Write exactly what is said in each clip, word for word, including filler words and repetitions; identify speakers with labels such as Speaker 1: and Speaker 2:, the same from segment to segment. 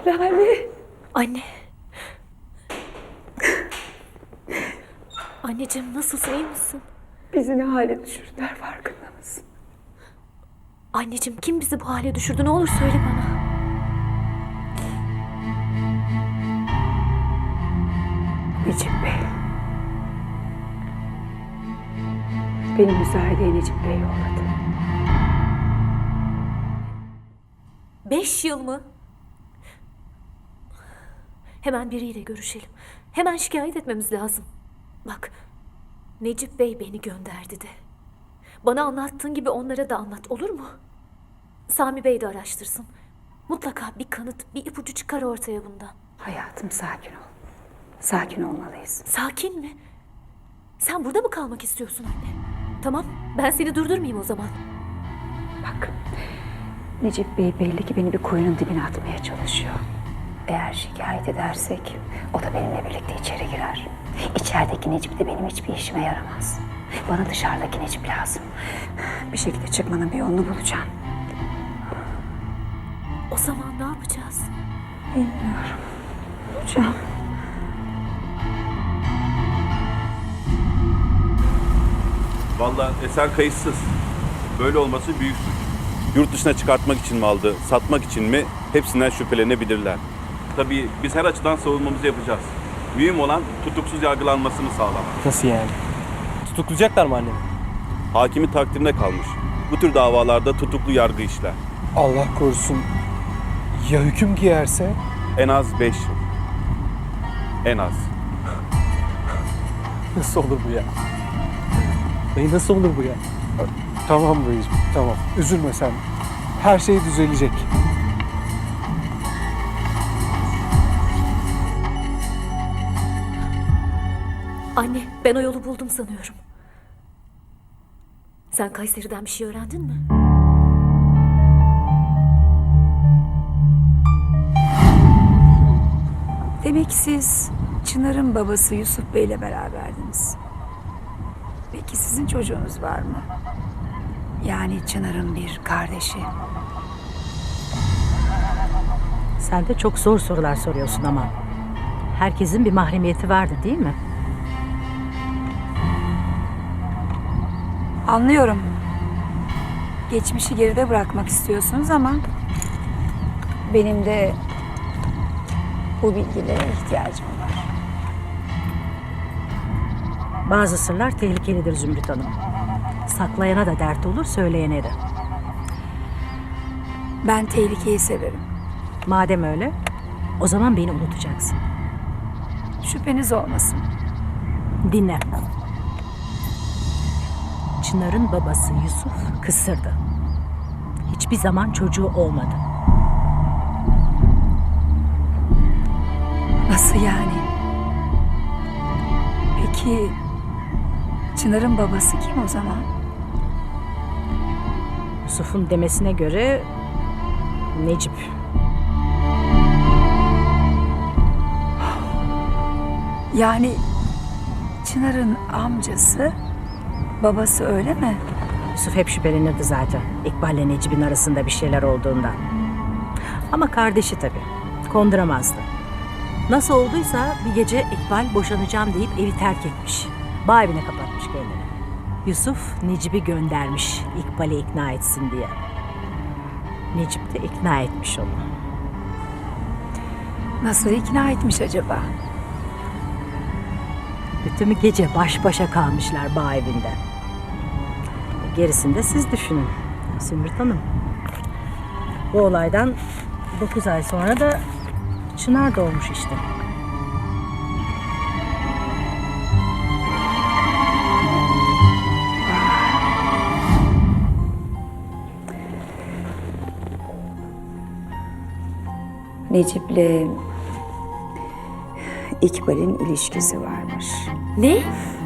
Speaker 1: Lale.
Speaker 2: Anne. Anneciğim nasılsın, iyi misin?
Speaker 1: Bizi ne hale düşürdüler farkında mısın?
Speaker 2: Anneciğim kim bizi bu hale düşürdü, ne olur söyle bana.
Speaker 1: Necip Bey. Beni müsaadeye Necip Bey yolladı.
Speaker 2: Beş yıl mı? Hemen biriyle görüşelim. Hemen şikayet etmemiz lazım. Bak, Necip Bey beni gönderdi de. Bana anlattığın gibi onlara da anlat, olur mu? Sami Bey de araştırsın. Mutlaka bir kanıt, bir ipucu çıkar ortaya bundan.
Speaker 1: Hayatım sakin ol. Sakin olmalıyız.
Speaker 2: Sakin mi? Sen burada mı kalmak istiyorsun anne? Tamam, ben seni durdurmayayım o zaman.
Speaker 1: Bak, Necip Bey belli ki beni bir kuyunun dibine atmaya çalışıyor. Eğer şikayet edersek o da benimle birlikte içeri girer. İçerideki Necip de benim hiçbir işime yaramaz. Bana dışarıdaki Necip lazım. Bir şekilde çıkmanın bir yolunu bulacağım.
Speaker 2: O zaman ne yapacağız?
Speaker 1: Bilmiyorum. Bulacağım.
Speaker 3: Vallahi eser kayıtsız. Böyle olması büyük suç. Yurt dışına çıkartmak için mi aldı, satmak için mi hepsinden şüphelenebilirler. Tabii biz her açıdan savunmamızı yapacağız. Mühim olan tutuksuz yargılanmasını sağlamak.
Speaker 4: Nasıl yani? Tutuklayacaklar mı annemi?
Speaker 3: Hakimin takdirine kalmış. Bu tür davalarda tutuklu yargı işler.
Speaker 4: Allah korusun. Ya hüküm giyerse?
Speaker 3: En az beş yıl. En az.
Speaker 4: Nasıl olur bu ya? Dayı nasıl olur bu ya? Tamam dayıcığım, tamam. Üzülme sen. Her şey düzelecek.
Speaker 2: Anne, ben o yolu buldum sanıyorum. Sen Kayseri'den bir şey öğrendin mi?
Speaker 1: Demek siz Çınar'ın babası Yusuf Bey'le beraberdiniz. Peki sizin çocuğunuz var mı? Yani Çınar'ın bir kardeşi.
Speaker 5: Sen de çok zor sorular soruyorsun ama. Herkesin bir mahremiyeti vardı değil mi?
Speaker 1: Anlıyorum. Geçmişi geride bırakmak istiyorsunuz ama benim de bu bilgilere ihtiyacım var.
Speaker 5: Bazı sırlar tehlikelidir Zümrüt Hanım. Saklayana da dert olur, söyleyene de.
Speaker 1: Ben tehlikeyi severim.
Speaker 5: Madem öyle, o zaman beni unutacaksın.
Speaker 1: Şüpheniz olmasın.
Speaker 5: Dinle. Çınar'ın babası Yusuf kısırdı. Hiçbir zaman çocuğu olmadı.
Speaker 1: Nasıl yani? Peki Çınar'ın babası kim o zaman?
Speaker 5: Yusuf'un demesine göre Necip.
Speaker 1: Yani Çınar'ın amcası, babası öyle mi?
Speaker 5: Yusuf hep şüphelenirdi zaten. İkbal'le Necip'in arasında bir şeyler olduğundan. Ama kardeşi tabii. Konduramazdı. Nasıl olduysa bir gece İkbal boşanacağım deyip evi terk etmiş. Bağ evine kapatmış kendini. Yusuf Necip'i göndermiş İkbal'i ikna etsin diye. Necip de ikna etmiş onu.
Speaker 1: Nasıl ikna etmiş acaba?
Speaker 5: Bütün gece baş başa kalmışlar bağ evinde. Gerisini de siz düşünün Zümrüt Hanım. Bu olaydan dokuz ay sonra da Çınar doğmuş işte.
Speaker 1: Necip'le İkbal'in ilişkisi varmış.
Speaker 2: Ne?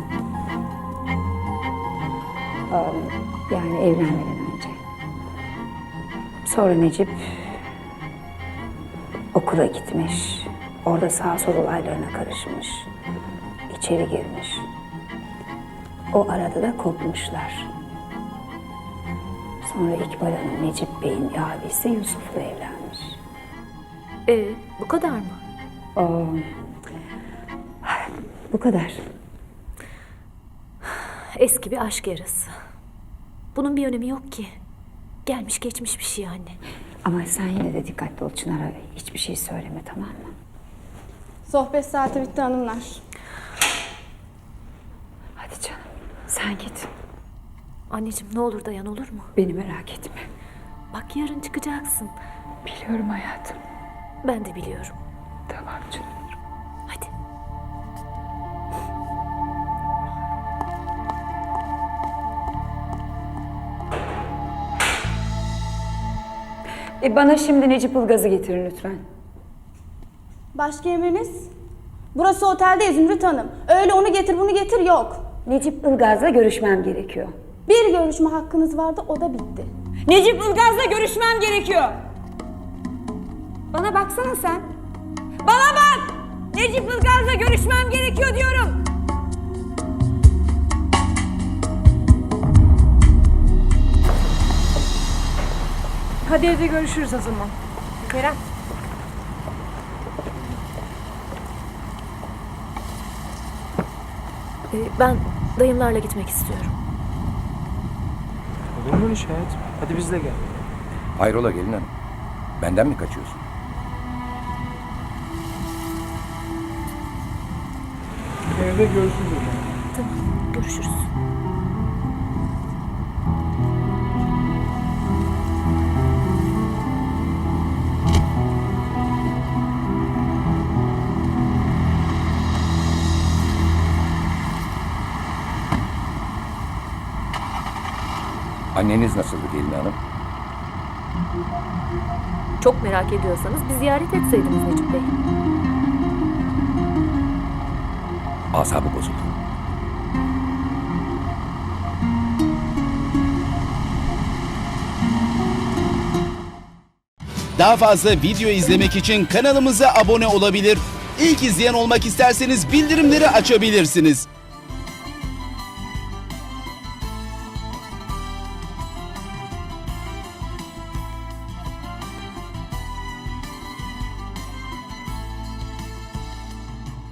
Speaker 1: Yani evlenmeden önce. Sonra Necip okula gitmiş. Orada sağ sol olaylarına karışmış. İçeri girmiş. O arada da kopmuşlar. Sonra İkbal Hanım Necip Bey'in abisi Yusuf'la evlenmiş.
Speaker 2: Ee, bu kadar mı?
Speaker 1: Oo. Bu kadar.
Speaker 2: Eski bir aşk yarası. Bunun bir önemi yok ki. Gelmiş geçmiş bir şey anne.
Speaker 1: Ama sen yine de dikkatli ol Çınar'a. Hiçbir şey söyleme, tamam mı?
Speaker 6: Sohbet saati bitti hanımlar.
Speaker 1: Hadi canım. Sen git.
Speaker 2: Anneciğim ne olur dayan, olur mu?
Speaker 1: Beni merak etme.
Speaker 2: Bak yarın çıkacaksın.
Speaker 1: Biliyorum hayatım.
Speaker 2: Ben de biliyorum.
Speaker 1: Tamam canım.
Speaker 2: Hadi.
Speaker 1: E bana şimdi Necip Ilgaz'ı getirin lütfen.
Speaker 6: Başka emriniz? Burası otelde Zümrüt Hanım. Öyle onu getir bunu getir yok.
Speaker 1: Necip Ilgaz'la görüşmem gerekiyor.
Speaker 6: Bir görüşme hakkınız vardı, o da bitti.
Speaker 1: Necip Ilgaz'la görüşmem gerekiyor. Bana baksana sen. Bana bak! Necip Ilgaz'la görüşmem gerekiyor diyorum.
Speaker 5: Hadi evde görüşürüz o zaman. Kerem.
Speaker 2: Ee, ben dayımlarla gitmek istiyorum.
Speaker 4: Olur mu öyle şey hayatım? Hadi biz de gel.
Speaker 7: Hayrola gelin hanım? Benden mi kaçıyorsun?
Speaker 4: Evde görüşürüz o zaman.
Speaker 2: Tamam, görüşürüz.
Speaker 7: Anneniz nasıldı gelin hanım?
Speaker 2: Çok merak ediyorsanız bir ziyaret etseydiniz Necip Bey.
Speaker 7: Asabı bozuldu.
Speaker 8: Daha fazla video izlemek için kanalımıza abone olabilir. İlk izleyen olmak isterseniz bildirimleri açabilirsiniz.